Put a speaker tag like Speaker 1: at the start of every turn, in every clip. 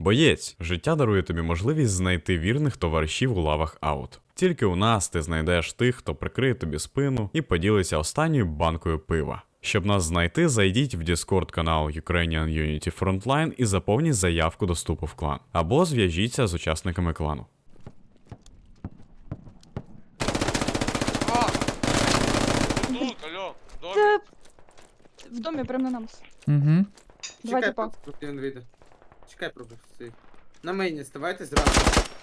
Speaker 1: Боєць, життя дарує тобі можливість знайти вірних товаришів у лавах аут. Тільки у нас ти знайдеш тих, хто прикриє тобі спину і поділиться останньою банкою пива. Щоб нас знайти, зайдіть в Discord канал Ukrainian Unity Frontline і заповніть заявку до вступу в клан. Або зв'яжіться з учасниками клану.
Speaker 2: Тут, алло, в домі.
Speaker 3: Це в домі прямо на нас.
Speaker 4: Угу.
Speaker 3: Два
Speaker 5: Чекай,
Speaker 3: типа.
Speaker 5: поки він вийде. Чекай, пробуй. Стій. На мейні ставайте зразу.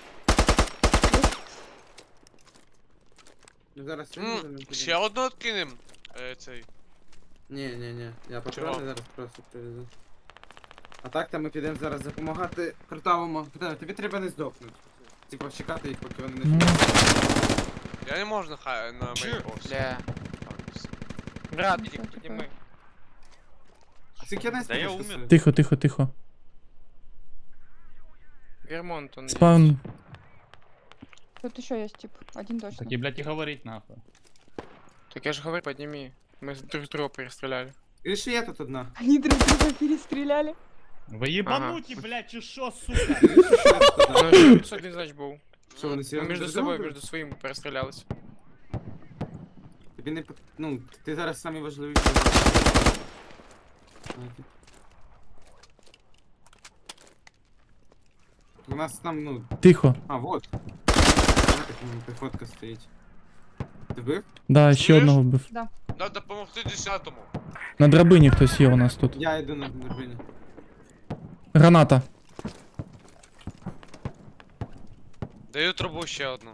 Speaker 5: Ну зараз
Speaker 2: Ще одну откинем. Цей.
Speaker 5: Ні. Я
Speaker 2: Чого?
Speaker 5: патрони зараз просто привезу. А так то ми підемо зараз допомагати картавому. Питаю, тобі треба не здохнути. Типа чекати їх, поки вони не
Speaker 4: Ну.
Speaker 2: Я не можу на мейнбокс.
Speaker 6: Бля. Градик, підніми.
Speaker 5: А скільки я
Speaker 2: Да я умер.
Speaker 4: Тихо.
Speaker 6: Вермонт он.
Speaker 4: Спаун.
Speaker 3: Тут еще есть тип. Один точно.
Speaker 7: Так и, блядь, и говорить нахуй.
Speaker 6: Так я же говорю, подними. Мы друг друга перестреляли.
Speaker 5: Ріши, я тут одна.
Speaker 3: Они друг друга перестреляли.
Speaker 7: Вы ебануті, блядь, чи шо, сука?
Speaker 6: Ну, что один значит был.
Speaker 5: Що вони
Speaker 6: Мы
Speaker 5: серйозно
Speaker 6: между
Speaker 5: друг
Speaker 6: собой,
Speaker 5: друга?
Speaker 6: между своими перестрелялись.
Speaker 5: Тобі не ну, ти зараз самі важливіші. У нас там, ну,
Speaker 4: Тихо.
Speaker 5: а, вот. Піхотка стоїть. Ти вбив?
Speaker 4: Да, ще
Speaker 2: Чуєш?
Speaker 4: одного вбив.
Speaker 2: Надо допомогти 10-му.
Speaker 4: На драбині хтось є у нас тут.
Speaker 5: Я йду на дорбині.
Speaker 4: Граната.
Speaker 2: Даю трубу ще одну.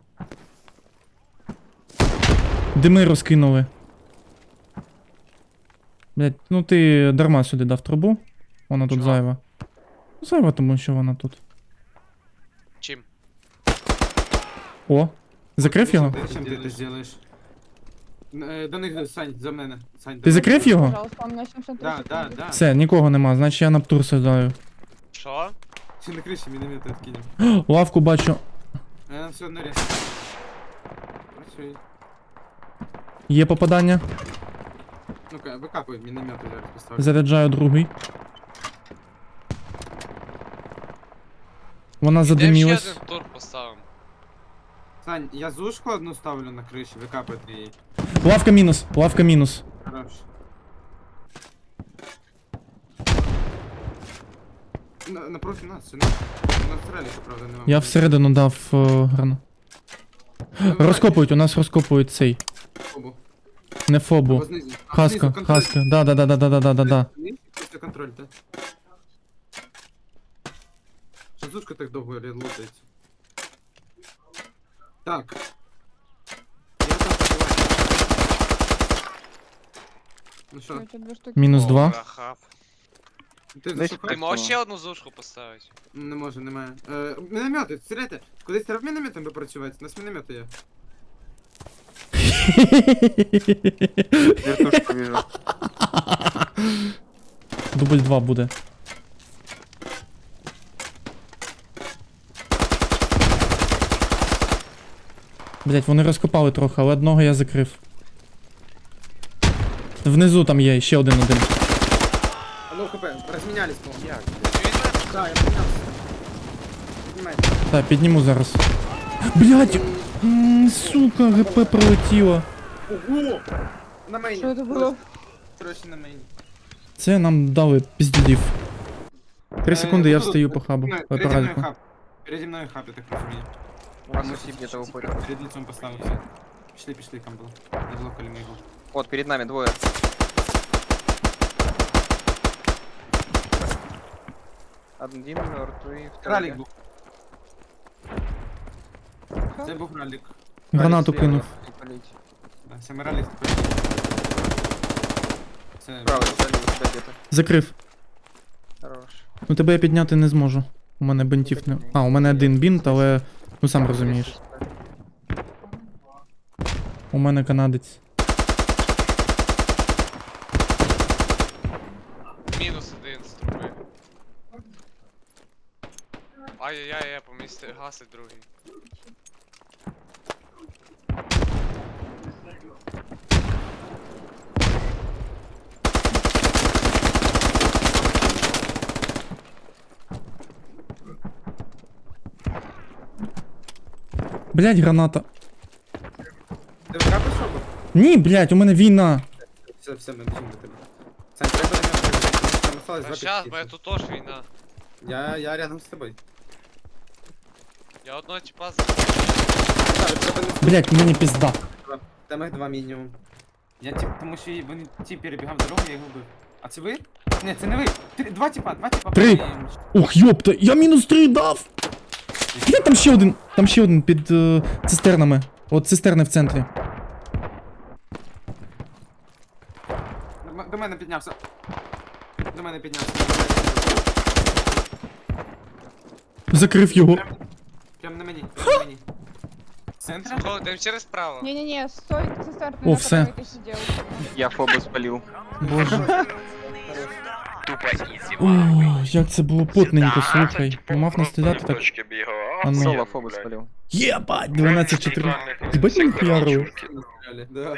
Speaker 4: Дими розкинули. Блять, ну ти дарма сюди дав трубу. Вона тут
Speaker 2: Чого?
Speaker 4: зайва. Зайва, тому що вона тут.
Speaker 2: Чим?
Speaker 4: О! Закрив його?
Speaker 5: Чим ти це зробиш? До них, Сань, за мене. Сань,
Speaker 4: Ти закрив його?
Speaker 3: Пожалуйста, у меня 73 секунды.
Speaker 5: Да.
Speaker 4: Все, нікого нема, значить я на птур сідаю.
Speaker 2: Що?
Speaker 5: Ще на криші міномети відкинем.
Speaker 4: Лавку бачу.
Speaker 5: А я все одно рез. Працює.
Speaker 4: Є попадання.
Speaker 5: Ну-ка, викапуй міномети зараз поставлю.
Speaker 4: Заряджаю другий. Вона
Speaker 2: Йдем ще
Speaker 4: задимілась.
Speaker 2: один тур поставимо.
Speaker 5: Сань, я зушку одну ставлю на криші, викапайте її.
Speaker 4: Лавка мінус.
Speaker 5: Хорош. Напроти нас, сюди. На стрелі, правда, нема.
Speaker 4: Я всередину дав грану. Розкопують, у нас розкопують цей.
Speaker 5: Фобу.
Speaker 4: Не фобу.
Speaker 5: Або знизу. А,
Speaker 4: Хаска,
Speaker 5: знизу, контроль.
Speaker 4: хаска. Да.
Speaker 5: Це контроль, так. Що зушка так довго лутається? Так. Я там побиваю. Ну що,
Speaker 3: Короче, 2 штуки.
Speaker 4: Мінус
Speaker 2: О,
Speaker 4: 2.
Speaker 2: рахав.
Speaker 5: ти
Speaker 2: Ти
Speaker 5: зашукав?
Speaker 2: можеш ще одну зушку поставити?
Speaker 5: Не можу, немає. Міномети, стріляйте. Кудись треба мінометом би працювати? У нас міномети є.
Speaker 6: Вертушку вижу.
Speaker 4: Дубль 2 буде. Блять, вони розкопали трохи, але одного я закрив. Внизу там є ще один.
Speaker 5: А ну хп, розмінялись, по-моєму.
Speaker 6: Як?
Speaker 5: Да, я помінявся. Піднімайте.
Speaker 4: Так, підніму зараз. Блять! Сука, ГП пролетіло.
Speaker 5: Ого! На мейні.
Speaker 3: Что это было?
Speaker 5: Короче, на мейні.
Speaker 4: Це нам дали піздюдів. 3 секунди, я встаю по хабу.
Speaker 5: Переді мною
Speaker 4: Парадку.
Speaker 5: хаб. Переді мною хаб, я так розумію.
Speaker 6: У вас усі где-то уходят.
Speaker 5: Перед лицом поставився. Пішли, там було. Не блокали ми його.
Speaker 6: Вот, перед нами двое. Один мертвый, второй.
Speaker 5: Ралік був. Це був ралік.
Speaker 4: Гранату
Speaker 6: Слева
Speaker 4: кинув.
Speaker 6: не палить.
Speaker 5: Да, саме ралік. Це...
Speaker 6: Право, залил у тебя где-то.
Speaker 4: Закрив.
Speaker 6: Хорош.
Speaker 4: Ну тебе я підняти не зможу. У мене бинтів не. А, у мене один бінт, але. Ну сам розумієш. У мене канадець.
Speaker 2: Мінус один з труби. Ай-яй-яй, я помістив, гасить другий.
Speaker 4: Блять, граната.
Speaker 5: Ти викапиш шоку?
Speaker 4: Ні, блять, у мене війна.
Speaker 5: Все, ми біжимо до тебе. Сань, треба на нього прибігти. Там осталось
Speaker 2: Та
Speaker 5: два
Speaker 2: щас,
Speaker 5: підписи.
Speaker 2: бо я тут теж війна.
Speaker 5: Я рядом з тобою.
Speaker 2: Я одного типа з...
Speaker 5: Так, треба не
Speaker 4: Блять, мені пізда.
Speaker 5: Там їх два мінімум. Я тип, тому що вони ті перебігав дорогу, я його вбив. А це ви? Ні, це не ви. Два типа.
Speaker 4: Три. Ух, йопта, я мінус 3 дав. Блять, там ще один під цистернами. От цистерни в центрі.
Speaker 5: До мене піднявся. До мене піднявся.
Speaker 4: Закрив його.
Speaker 5: Прям на мені, прям на мені. Центр?
Speaker 2: Кого, йдемо через право.
Speaker 3: Не-не-не, стой, цистерна,
Speaker 4: О,
Speaker 3: на
Speaker 4: все.
Speaker 3: которой ты сидел.
Speaker 6: Я фобу спалив.
Speaker 4: Боже. О, як це було потненько, слухай. Мав не стріляти так. А ну.
Speaker 6: Соло фобу спалив.
Speaker 4: Єбать, 12-4. Єбать, ми хуярили.
Speaker 5: Да.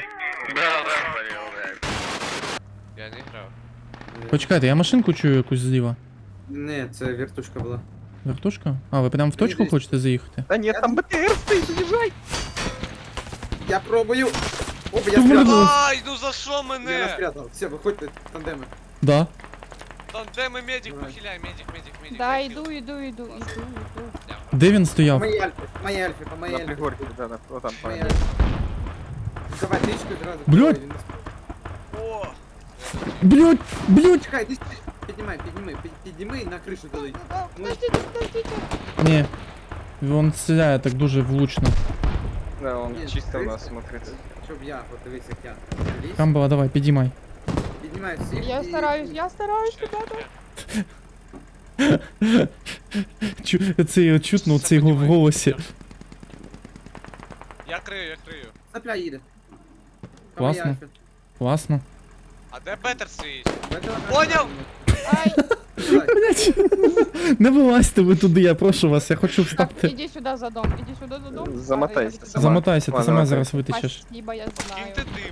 Speaker 2: Я не грав.
Speaker 4: Почекайте, я машинку чую якусь зліва.
Speaker 5: Не, це вертушка була.
Speaker 4: Вертушка? А, ви прям в точку
Speaker 5: Дивись.
Speaker 4: хочете заїхати?
Speaker 6: Та ні, там БТР стоїть, заїжджай.
Speaker 5: Я пробую! О, я
Speaker 4: Ти в мене
Speaker 5: спрятав!
Speaker 4: була.
Speaker 2: Ай, ну за що
Speaker 5: Я нас
Speaker 2: мене?
Speaker 5: спрятав. Все, виходьте, тандеми.
Speaker 4: Да.
Speaker 2: Тандеми, медик,
Speaker 5: Давай.
Speaker 2: похиляй, медик.
Speaker 3: Да,
Speaker 2: захил.
Speaker 3: иду.
Speaker 4: Де він
Speaker 5: По
Speaker 4: стояв?
Speaker 5: моїй альфі, по моїй альфі, по моїй
Speaker 6: На
Speaker 5: альфі.
Speaker 6: пригорці, да, отам.
Speaker 5: По моїй альфі. Давай, трічку одразу.
Speaker 4: Блядь.
Speaker 5: Ой, він не сп-
Speaker 2: О,
Speaker 4: Блять.
Speaker 5: Чекай, ти піднімай на кришу туди.
Speaker 3: Подождите.
Speaker 4: Ні. Він стріляє так дуже влучно.
Speaker 6: Да, он
Speaker 5: Ні,
Speaker 6: чисто у
Speaker 5: 300.
Speaker 6: нас смотрится.
Speaker 5: Щоб я, подивись, як я. Лізь,
Speaker 4: Камбала, давай, підіймай.
Speaker 5: піднімай всіх
Speaker 3: Я
Speaker 5: і-
Speaker 3: стараюсь, ребята.
Speaker 4: Це чутно, це його в голосі.
Speaker 2: я крию.
Speaker 5: Сапля їде. По моїй
Speaker 4: Класно.
Speaker 5: альфі.
Speaker 4: Класно.
Speaker 2: А де Бетер стоїть?
Speaker 5: Бетер одразу
Speaker 2: Поняв?
Speaker 3: Ай,
Speaker 5: Давай.
Speaker 4: Блять. Не вилазьте ви туди, я прошу вас, я хочу
Speaker 3: так,
Speaker 4: встати.
Speaker 3: иди сюда за дом,
Speaker 6: Замотайся,
Speaker 3: А,
Speaker 6: сама.
Speaker 4: Замотайся, ти
Speaker 6: Ладно,
Speaker 4: сама
Speaker 6: окей.
Speaker 4: зараз витечеш.
Speaker 3: Спасибо, я знаю.
Speaker 2: Киньте дим.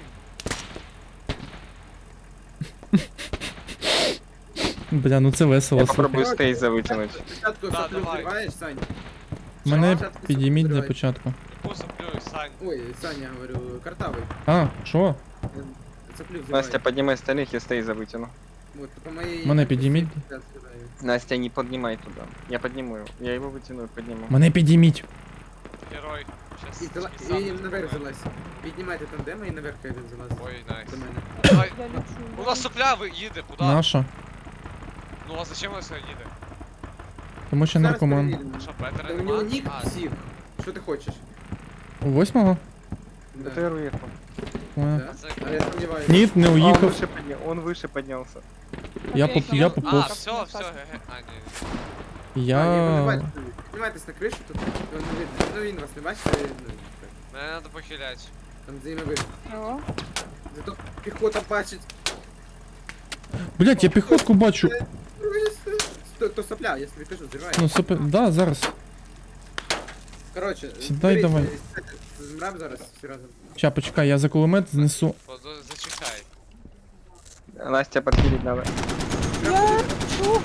Speaker 4: Бля, ну це
Speaker 6: Я
Speaker 4: весело, слухай.
Speaker 6: попробую стейза витягнути.
Speaker 5: Спочатку
Speaker 2: Да,
Speaker 5: саплю
Speaker 2: давай.
Speaker 5: взриваєш, Сань.
Speaker 4: Мене
Speaker 5: Спочатку
Speaker 4: підійміть
Speaker 5: саплю
Speaker 4: для
Speaker 5: взриваєш.
Speaker 4: початку.
Speaker 2: Посоплю, Сань.
Speaker 5: Ой, Саня, говорю, картавий.
Speaker 4: А, що?
Speaker 5: Саплю взриваю.
Speaker 6: Настя, поднимай остальных, я стейза вытяну.
Speaker 5: Вот, по моей...
Speaker 4: Мене підійміть.
Speaker 6: Настя, не поднимай туда. Я подниму его. Я его вытяну и подниму.
Speaker 4: Мене підійміть.
Speaker 2: Герой. Щас
Speaker 5: І наверх залазь. Піднімайте тандеми і наверх хай він залазить.
Speaker 2: Ой, найс.
Speaker 5: До мене.
Speaker 2: Давай.
Speaker 3: Я лечу.
Speaker 2: У нас сопля їде, куди?
Speaker 4: Наша.
Speaker 2: Ну а зачем вона їде?
Speaker 4: Тому що
Speaker 5: Зараз
Speaker 4: наркоман.
Speaker 5: перевіримо.
Speaker 2: Що, Бетера
Speaker 5: Та у
Speaker 2: нема?
Speaker 5: нього нік
Speaker 2: А,
Speaker 5: псих. Що ти хочеш?
Speaker 4: У 8-го?
Speaker 5: Да.
Speaker 6: БТР уехал.
Speaker 5: Да.
Speaker 2: це...
Speaker 5: А я сомневаюсь.
Speaker 4: Ні, не
Speaker 6: А, он
Speaker 4: уїхав.
Speaker 6: он выше поднялся.
Speaker 4: Я
Speaker 3: Окей,
Speaker 4: я
Speaker 2: А,
Speaker 4: поповз.
Speaker 2: все, ге-ге. А, ні.
Speaker 4: Я...
Speaker 5: Піднімайтесь на кришу, тут він не видно. Ну він вас не бачить, ну,
Speaker 2: Мене треба похиляти.
Speaker 5: там за ними видно.
Speaker 3: О,
Speaker 5: Зато піхота бачить.
Speaker 4: Блять, я піхотку бачу.
Speaker 5: То сопля, я тобі кажу, зривай.
Speaker 4: Ну, супер. Да, зараз.
Speaker 5: Короче,
Speaker 4: Сідай, давай.
Speaker 5: Змрав зараз всі разом.
Speaker 4: Ща, почекай, я за кулемет знесу.
Speaker 2: Зачекай.
Speaker 6: Настя, подхилить надо.
Speaker 3: я лечу.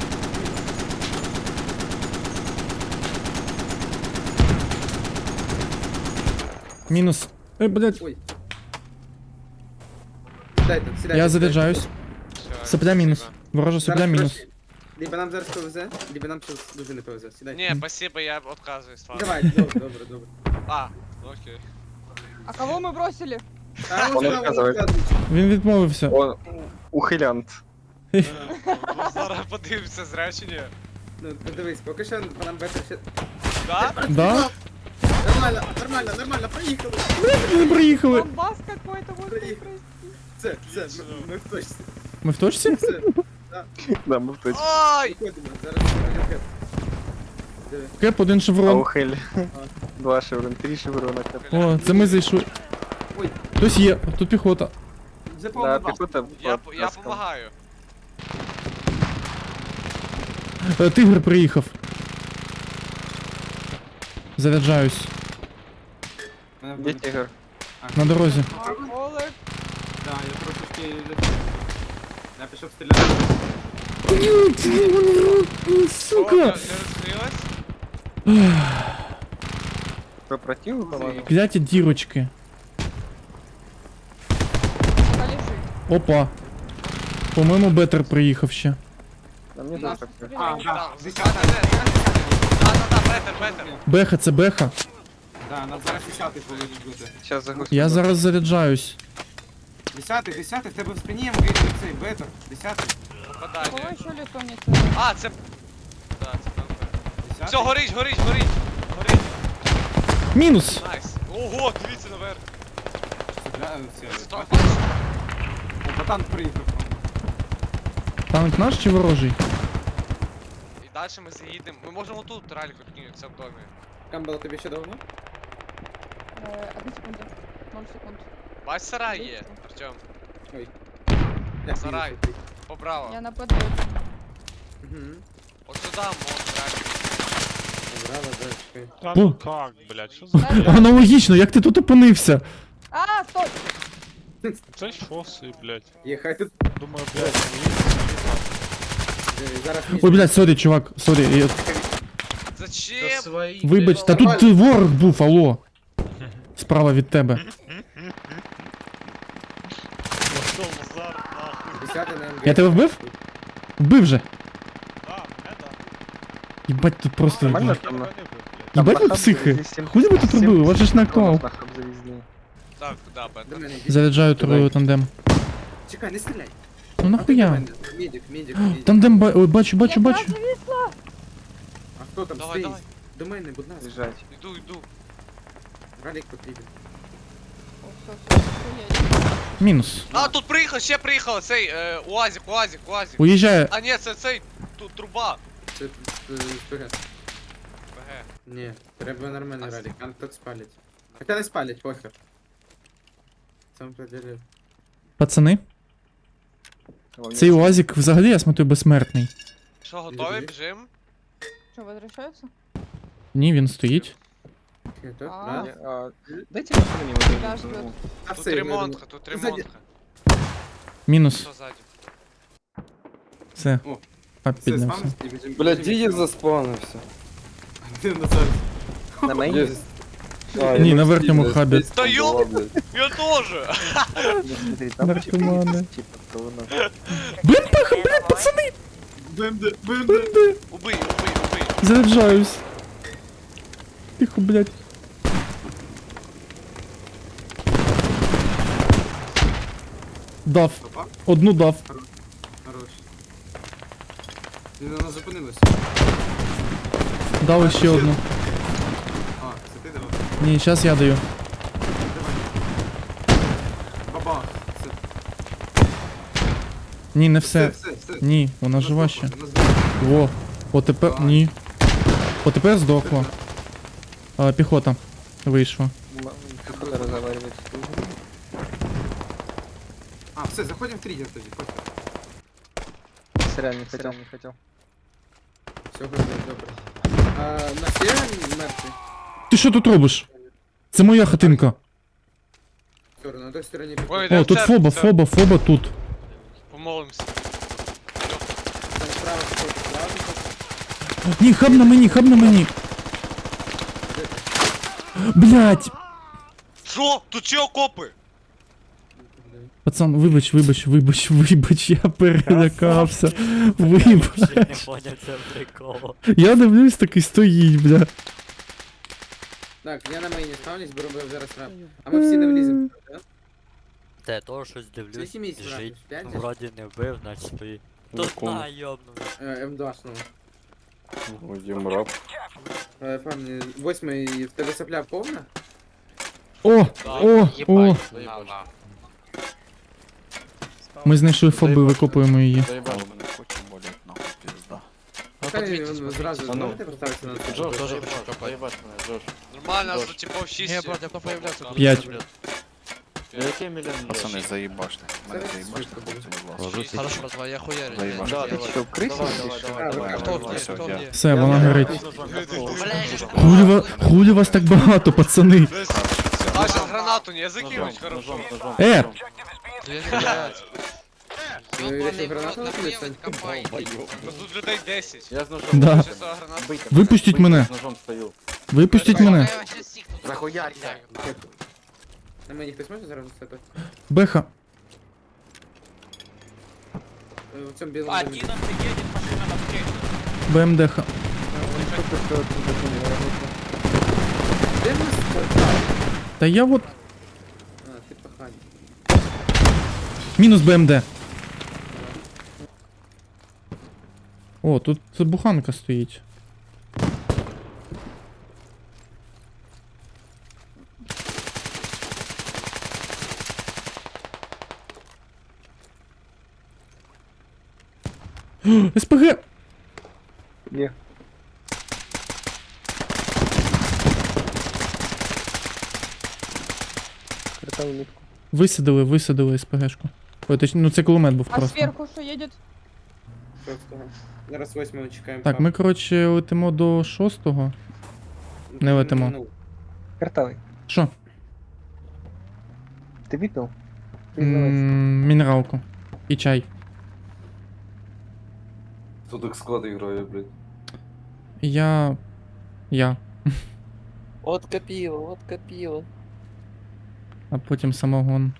Speaker 4: Мінус. Ей, блять.
Speaker 5: Ой. Сідайте, сідайте.
Speaker 4: Я заряджаюсь.
Speaker 2: Все,
Speaker 4: Сопля мінус.
Speaker 2: спасибо.
Speaker 4: Ворожа сопля мінус.
Speaker 5: Либо нам зараз повезе, либо нам щось дуже не повезе. Сідайте.
Speaker 2: Ні, спасибо, я відказуюсь. ладно.
Speaker 5: Давай, добре.
Speaker 2: А, окей.
Speaker 3: А кого мы бросили?
Speaker 5: А
Speaker 6: Он відказується.
Speaker 4: Він відмовився.
Speaker 6: Он ухилянт.
Speaker 2: Зараз подивимося, зря чи ні.
Speaker 5: Ну, подивись, поки що по нам бетер ще...
Speaker 2: Да?
Speaker 4: Да?
Speaker 5: Нормально, поїхали.
Speaker 4: Ми приїхали.
Speaker 3: Бомбас какой-то, вот
Speaker 5: Приїхали.
Speaker 3: прости.
Speaker 5: Все, ми в точці.
Speaker 4: Ми в точці?
Speaker 5: Все,
Speaker 6: Да, мы в точке.
Speaker 2: Ой!
Speaker 5: виходимо, зараз будемо хеп. Диви.
Speaker 4: Кеп, один
Speaker 6: А
Speaker 4: шеврон.
Speaker 6: ухиль. 2 шеврона, 3 шеврона.
Speaker 4: О, це ми зайшли.
Speaker 5: Ой.
Speaker 4: Хтось є, тут піхота.
Speaker 5: Вже
Speaker 6: Да,
Speaker 5: повно
Speaker 6: пехота.
Speaker 2: Я
Speaker 6: подтаскал.
Speaker 2: помагаю.
Speaker 4: Тигр приїхав. Заряджаюсь.
Speaker 6: Где тигр?
Speaker 4: На дорозі.
Speaker 3: А, Олег.
Speaker 5: Да, я трошечки... Я пішов стріляти.
Speaker 2: О,
Speaker 4: Сука!
Speaker 2: не розкрилась?
Speaker 6: Противу положил?
Speaker 4: Кляті дірочки.
Speaker 3: Полежи.
Speaker 4: Опа. По-моєму, Бетер приїхав ще.
Speaker 6: Да мне
Speaker 3: Наш
Speaker 6: тоже так.
Speaker 5: А,
Speaker 3: стреляет.
Speaker 5: да,
Speaker 2: Так,
Speaker 5: десята.
Speaker 2: Бетер.
Speaker 4: Беха, це беха.
Speaker 5: Да, нам зараз 10-й повинен бути.
Speaker 6: Сейчас загрузку.
Speaker 4: Я зараз заряджаюсь.
Speaker 5: 10-й, в тебе в спині я можу цей бетер. 10-й.
Speaker 3: Кого
Speaker 2: Попадання.
Speaker 3: еще лицо не целое?
Speaker 2: А, це... Да, це там.
Speaker 5: 10-й.
Speaker 2: Все, горить.
Speaker 4: Мінус!
Speaker 2: Найс. Ого, дивіться наверх.
Speaker 5: Стріляю, все.
Speaker 2: Стоп.
Speaker 5: О, ботан приїхав.
Speaker 4: Танк наш чи ворожий?
Speaker 2: І далі ми заїдемо. Ми можемо тут ралік відкинутися в домі.
Speaker 5: Камбала тобі ще давно?
Speaker 3: 1 секунда. 0 секунд.
Speaker 2: Бач, сарай є, Артем.
Speaker 5: Ой.
Speaker 2: Сарай. Поправо.
Speaker 3: Я на подъезде.
Speaker 5: Угу.
Speaker 2: От сюди можна ралік.
Speaker 5: Браво, да, чекай.
Speaker 7: Та
Speaker 4: О.
Speaker 7: ну как, блядь, що за...
Speaker 4: Аналогічно, як ти тут опинився?
Speaker 3: А, стой!
Speaker 7: Це шоси, блядь.
Speaker 5: Є, хай тут
Speaker 7: Думаю, блядь,
Speaker 5: зараз
Speaker 4: Ой, блядь, сорі, чувак, сорі.
Speaker 2: Зачем?
Speaker 4: Вибач, та тут ворог був, алло. Справа від тебе.
Speaker 7: Пошел Назар, нахуй.
Speaker 5: 10-й на МГ.
Speaker 4: Я тебе вбив? Вбив же.
Speaker 7: А, мене да.
Speaker 4: Їбать, тут просто...
Speaker 6: Нормально?
Speaker 7: Я тебе не бив, блядь.
Speaker 4: Їбать ви
Speaker 6: Там
Speaker 4: психи.
Speaker 6: здесь сім-
Speaker 4: Хуй ви тут
Speaker 6: сім-
Speaker 4: робили, у вас же ж не актуал.
Speaker 6: На хаб завезли.
Speaker 2: Так, да,
Speaker 5: До
Speaker 2: Бетер.
Speaker 5: мене йди.
Speaker 4: Заряджаю трою тандем.
Speaker 5: Чекай, не стріляй.
Speaker 4: Ну нахуя?
Speaker 5: Медик, медик.
Speaker 4: Тандем, ой, бачу.
Speaker 3: Я зависла.
Speaker 5: А хто там
Speaker 2: Давай,
Speaker 5: стоїть?
Speaker 2: давай.
Speaker 5: До мене, будь ласка.
Speaker 6: Бежать.
Speaker 2: Йду.
Speaker 5: Ралік потрібен.
Speaker 3: О, все,
Speaker 4: Мінус.
Speaker 2: А, тут приїхав, ще приїхав цей УАЗик.
Speaker 4: Уїжджає.
Speaker 2: А ні, це цей тут труба.
Speaker 5: Це вперед.
Speaker 2: ПГ.
Speaker 5: Ні, треба нормальний ралік, а тут спалять. Хоча не спалять, похер. Сам поділив.
Speaker 4: Пацани, цей УАЗик взагалі, я смотрю, безсмертний.
Speaker 2: Що, готові?
Speaker 5: Біжи.
Speaker 2: Біжим?
Speaker 3: Что, возвращаются?
Speaker 4: Ні, він стоїть.
Speaker 3: А.
Speaker 6: Дайте машину не
Speaker 3: Да,
Speaker 6: могу.
Speaker 3: ждет.
Speaker 5: А
Speaker 2: Тут
Speaker 5: все,
Speaker 2: ремонтка, тут
Speaker 5: Ззаді.
Speaker 2: ремонтка.
Speaker 4: Мінус.
Speaker 2: Що ззаді?
Speaker 4: Все.
Speaker 5: О,
Speaker 4: Пап
Speaker 5: Все,
Speaker 4: піднявся.
Speaker 5: спамився, біжим.
Speaker 8: Блядь, дідів заспавнився.
Speaker 5: Ти Назар.
Speaker 6: На мейне?
Speaker 4: Ні, на верхньому хабі.
Speaker 2: Та йоп! Я теж!
Speaker 6: Смотри, там
Speaker 4: Наркоманы.
Speaker 6: типа говно.
Speaker 4: Блін, пацани!
Speaker 5: БМД.
Speaker 2: Убий.
Speaker 4: Заряджаюсь. Тихо, блядь. Дав.
Speaker 5: Опа,
Speaker 4: Одну дав.
Speaker 5: хорош. Вона зупинилася.
Speaker 4: Дав ще одну.
Speaker 5: А, це ти давай.
Speaker 4: Ні, зараз я даю.
Speaker 5: Давай. Бабах. Все.
Speaker 4: Ні, не все.
Speaker 5: Все.
Speaker 4: Ні, вона жива ще.
Speaker 5: Вона здохла.
Speaker 4: Во. О, тепер. Ні. О, тепер здохла. А, піхота. Вийшла.
Speaker 6: Какой разговаривать?
Speaker 5: А, все, заходимо в триггер тоді. Похер.
Speaker 6: Сорян, не хотел.
Speaker 5: Все, добре. На є мертвий?
Speaker 4: Ти що тут робиш? Це моя хатинка.
Speaker 5: Сторону, на той стороні
Speaker 2: Ой,
Speaker 5: піхота.
Speaker 2: йдемо
Speaker 4: О, тут
Speaker 2: в церкву,
Speaker 4: фоба тут.
Speaker 2: Помолимося.
Speaker 5: Там справа піхота, справа піхота.
Speaker 4: Ні, хаб на мені. Блять!
Speaker 2: Що? Тут ще окопи?
Speaker 4: Пацан, вибач, я перелякався. Вибач.
Speaker 9: Не поняв це прикол.
Speaker 4: Я дивлюсь, такий стоїть, бля.
Speaker 5: Так, я на мейні ставлюсь, беру зараз рап. А ми всі не вліземо, так?
Speaker 9: Та я того щось дивлюсь,
Speaker 5: Скільки місць
Speaker 9: біжить.
Speaker 5: грати? 5?
Speaker 9: Вроді не вбив, значить стоїть. Тут на йобнув.
Speaker 5: М2-шного.
Speaker 8: Будем раб.
Speaker 5: Пам'ятаю, 8-й, в тебе сопля повна?
Speaker 4: О!
Speaker 2: На.
Speaker 4: Ми знайшли фоби, викопуємо її.
Speaker 8: Заебал мене, хочу болеть, нахуй, пизда.
Speaker 5: Хай він зразу,
Speaker 8: А ну.
Speaker 5: знаєте, поставиться на це?
Speaker 8: Джош, заебать мене, Джош.
Speaker 2: Нормально, нас тут типов 6.
Speaker 10: Не, брат, я появляться.
Speaker 4: 5.
Speaker 8: Який мільйон?
Speaker 11: Пацани, заїбаште. Мене
Speaker 5: Це
Speaker 11: заїбаште,
Speaker 5: швидко
Speaker 11: хлопці,
Speaker 5: буде.
Speaker 11: будь ласка.
Speaker 10: Хорошо, пацан, я хуярю.
Speaker 11: Заебашь.
Speaker 8: Да,
Speaker 6: Ты что, крыса?
Speaker 8: Давай.
Speaker 10: Кто где?
Speaker 11: Все,
Speaker 10: Кто
Speaker 11: я.
Speaker 10: где?
Speaker 4: Все, вона горить.
Speaker 2: Блядь.
Speaker 4: Хулі вас так багато, пацани.
Speaker 2: А, сейчас гранату не закинуть, хорошо.
Speaker 4: Е!
Speaker 10: Да я не блядь.
Speaker 5: Ти вирішив гранату накинути?
Speaker 2: Ну тут людей 10.
Speaker 8: Я з ножом.
Speaker 4: Да.
Speaker 2: Сейчас гранату.
Speaker 4: Випустіть мене.
Speaker 8: З ножом стою.
Speaker 4: Випустіть мене.
Speaker 6: Захуярся.
Speaker 5: На мені хтось може зараз це?
Speaker 4: Беха.
Speaker 5: В цьому білому. домі.
Speaker 4: БМДха.
Speaker 5: Де в нас портал?
Speaker 4: Та я от.
Speaker 5: А, ти пахань.
Speaker 4: Мінус БМД. О, тут буханка стоїть. СПГ!
Speaker 6: Є.
Speaker 4: Висадили СПГшку. Ой, точно, ну це кулемет був
Speaker 3: А
Speaker 4: просто.
Speaker 3: сверху что едет?
Speaker 5: Шостого. Зараз 8 чекаємо.
Speaker 4: Так, ми, коротше, летимо до 6-го. не летимо.
Speaker 5: Ну,
Speaker 6: Картавий.
Speaker 4: Що?
Speaker 6: Ти випив?
Speaker 4: Мінералку. І чай.
Speaker 11: Хто так склад грає, блядь?
Speaker 4: Я.
Speaker 8: От копіло, от копіло.
Speaker 4: А потім самогон.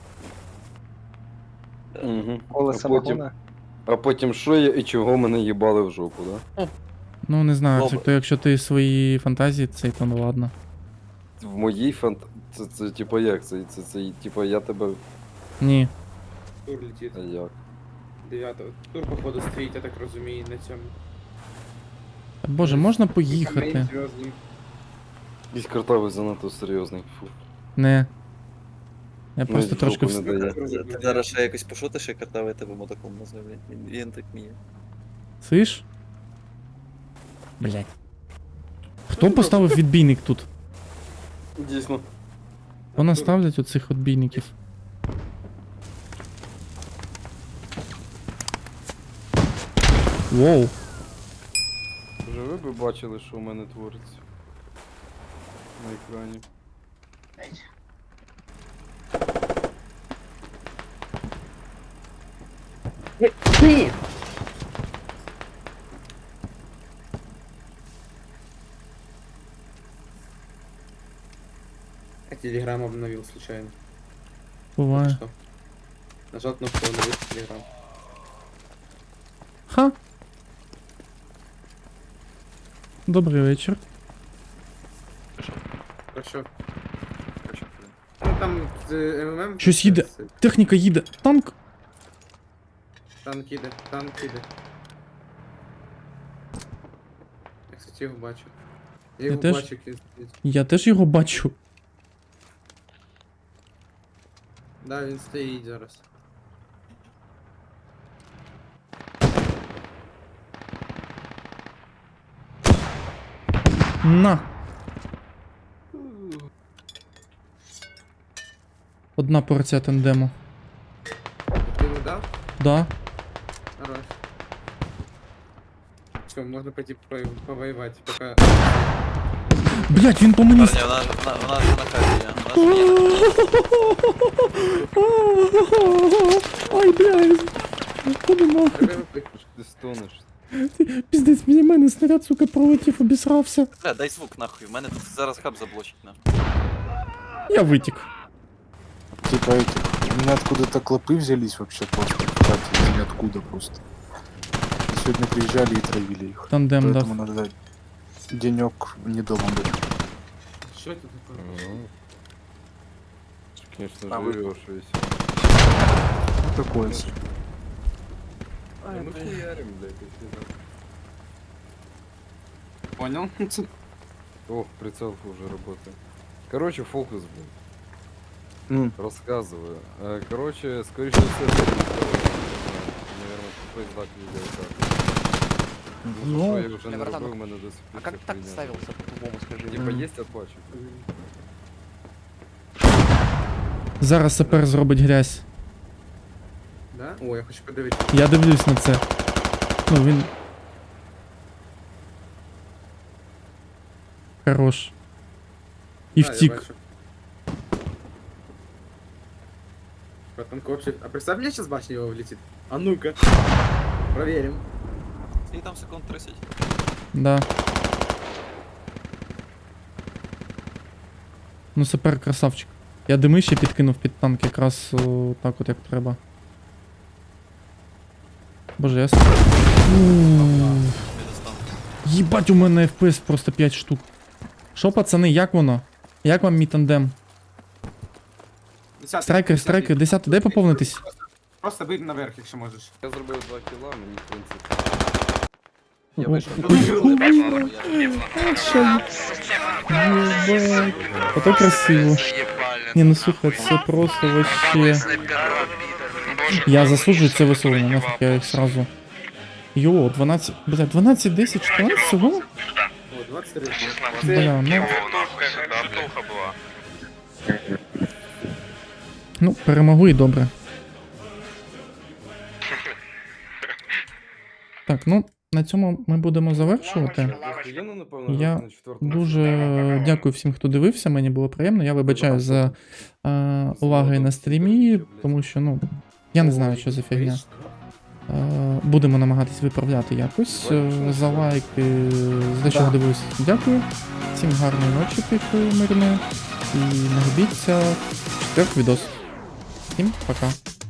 Speaker 11: Угу.
Speaker 6: Коле самогона.
Speaker 11: А потім що я і чого мене їбали в жопу, да?
Speaker 4: Ну, не знаю,
Speaker 8: Добре.
Speaker 4: то якщо ти свої фантазії, це то ну ладно.
Speaker 11: В моїй це типа як? Це типа я тебе.
Speaker 4: Ні.
Speaker 5: тур летить.
Speaker 11: А як?
Speaker 5: 9-го. Тур, походу, стоїть, я так розумію, на цьому.
Speaker 4: Та, Боже, можна
Speaker 5: Камінь
Speaker 4: поїхати?
Speaker 5: зв'язний.
Speaker 11: Якийсь картавий занадто серйозний. Фу.
Speaker 4: Не. Я
Speaker 11: Ну,
Speaker 4: просто
Speaker 11: в
Speaker 4: трошки
Speaker 11: жопу не дає.
Speaker 8: Ти зараз ще якось пошутиш, як картавий тебе мотоком назве, блядь. Він так вміє.
Speaker 4: Слиш? Блять. Хто поставив відбійник тут?
Speaker 11: Дійсно.
Speaker 4: Хто наставлять оцих відбійників? Воу.
Speaker 11: Вже ви б бачили, що в мене твориться на екрані.
Speaker 5: Я телеграм обновил случайно.
Speaker 4: Буває.
Speaker 5: Что? Нажал кнопку обновить телеграм.
Speaker 4: Ха. Добрий вечір.
Speaker 5: Хорошо. Ну там МММ.
Speaker 4: Щось їде. Техніка їде. Танк.
Speaker 5: Танк їде, танк їде. Я, кстати, його бачу. Я його
Speaker 4: теж.
Speaker 5: бачу, як він стоїть.
Speaker 4: Я теж його бачу.
Speaker 5: Да, він стоїть зараз.
Speaker 4: На. Одна порція тандему.
Speaker 5: Ти йому дав?
Speaker 4: Да.
Speaker 5: Хорош. Все, можна пойти повоевать, пока...
Speaker 4: Блять, він по мені.
Speaker 8: Парні, у нас на хаті є. У нас є.
Speaker 4: Ай, блядь. Ходи нахуй.
Speaker 11: Ти стонеш.
Speaker 4: Піздець, мені мене снаряд, сука, пролетів, обісрався.
Speaker 8: Бля, дай звук нахуй, у мене тут зараз хаб заблочить нахуй.
Speaker 4: Я витік.
Speaker 12: Типа эти, у меня откуда-то клопы взялись вообще просто, как из ниоткуда просто. И сегодня приезжали и травили их.
Speaker 4: Тандем дав.
Speaker 12: Поэтому надо денек не дома быть.
Speaker 5: Що це таке?
Speaker 11: Конечно,
Speaker 8: А ви-
Speaker 11: живеш весь.
Speaker 12: Ну, такое себе.
Speaker 11: Мы хуярим, блядь, если да.
Speaker 5: Понял?
Speaker 11: Ох, прицелка уже работает. Короче, фокус, блядь. Рассказываю. Короче, скорее всего, наверное, тупой знак видеокарты.
Speaker 12: Ну,
Speaker 11: Что я уже не робив, у мене до сих пор вся хуйня.
Speaker 6: по-другому, скажи?
Speaker 11: Типа есть оплачу?
Speaker 4: Зараз сапер зробить грязь.
Speaker 5: Да? О, я хочу подивитися.
Speaker 4: Я дивлюсь на це. Ну, він. Хорош. І
Speaker 5: Да, я
Speaker 4: втік.
Speaker 5: бачу. Потом вообще... А представь, мне сейчас башня его влетит. А ну-ка. Проверим.
Speaker 8: І там секунд 30.
Speaker 4: Да. Ну супер красавчик. Я дими ще підкинув під танк якраз так от як треба. Боже, я Їбать, у мене FPS просто 5 штук. Що, пацани, як воно? Як вам мій тандем? Страйкер, 10, дай поповнитись.
Speaker 5: Просто бий наверх, якщо можеш.
Speaker 11: Я зробив 2 кіла, мені в принципі. Я
Speaker 4: О,
Speaker 11: вийшов.
Speaker 4: Єбать. Ото красиво. Ні, ну слухай, це просто вообще... Я засуджую це висловлення, нафіг я їх сразу. Йо, 12, бля, 12, 10, 14 всього?
Speaker 5: О, 23.
Speaker 4: Бля, ну, перемогли і добре. Так, ну, на цьому ми будемо завершувати.
Speaker 11: Охуєнно, напевно,
Speaker 4: Я
Speaker 11: на четвертому.
Speaker 4: Дуже дякую всім, хто дивився, мені було приємно. Я вибачаю за уваги на стрімі, тому що, ну, я не знаю, що за фігня. Будемо намагатись виправляти якось. За лайки, за те, що ви дивилися. Дякую. Всім гарної ночі, тихої, мирної. І не губіться. 4 відос. Всім пока.